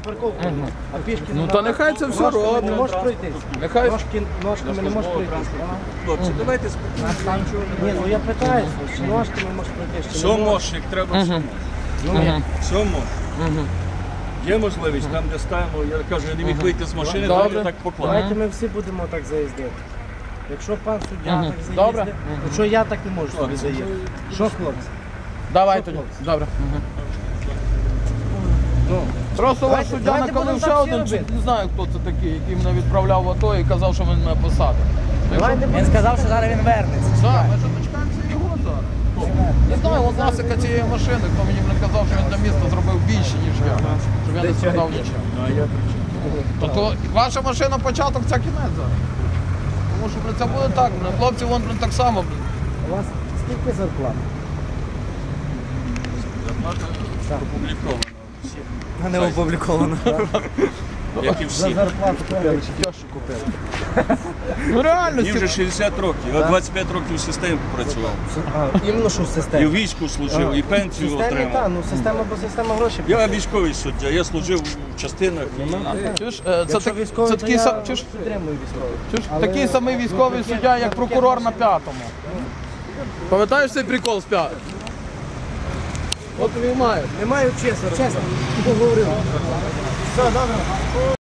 парковку, а пішки... Ну то нехай це все робить. Не можеш пройти. Нехай... Ножками не можеш пройти. Хлопці, давайте спокійно. Ні, ну я питаюся, чи ножками можеш пройти, чи Все не можеш. можеш, як треба, все можеш. Все можеш. Є можливість, там де ставимо, я кажу, я не міг вийти з машини, то я так поклав. Давайте ми всі будемо так заїздити. Якщо пан суддя так Добре. заїздить, то що я так не можу собі заїздити? Що, хлопці? Давай тоді. Добре. Просто ваш суддя давайте накалив будемо ще так всі один, робити. не знаю хто це такий, який мене відправляв в АТО і казав, що він мене посадить. Він сказав, що зараз він вернеться. Так, ми ж дочекаємося його зараз. Не знаю, власника цієї машини, хто мені казав, що він для міста зробив більше, ніж я. Щоб я не страдав нічого. Тобто ваша машина початок, це кінець зараз. Тому що це буде так, хлопці вон так само. У вас скільки зарплат? Опубліковано. Не опубліковано. Як і За всі. зарплату купили, чи тьошу купили? Ну реально, Мені вже 60 років, я 25 років в системі працював. Іменно що в І в системі? війську служив, і В пенсію системі, так, отримав. ну система, бо система гроші. Я військовий суддя, я служив в частинах. чуєш, Якщо це військовий, то такий я чуєш, підтримую військових. чуєш, Але- такий самий військовий суддя, як прокурор на 5-му. Пам'ятаєш цей прикол з 5? От він має. Не маю чесно, чесно. Поговорили. Все, добре.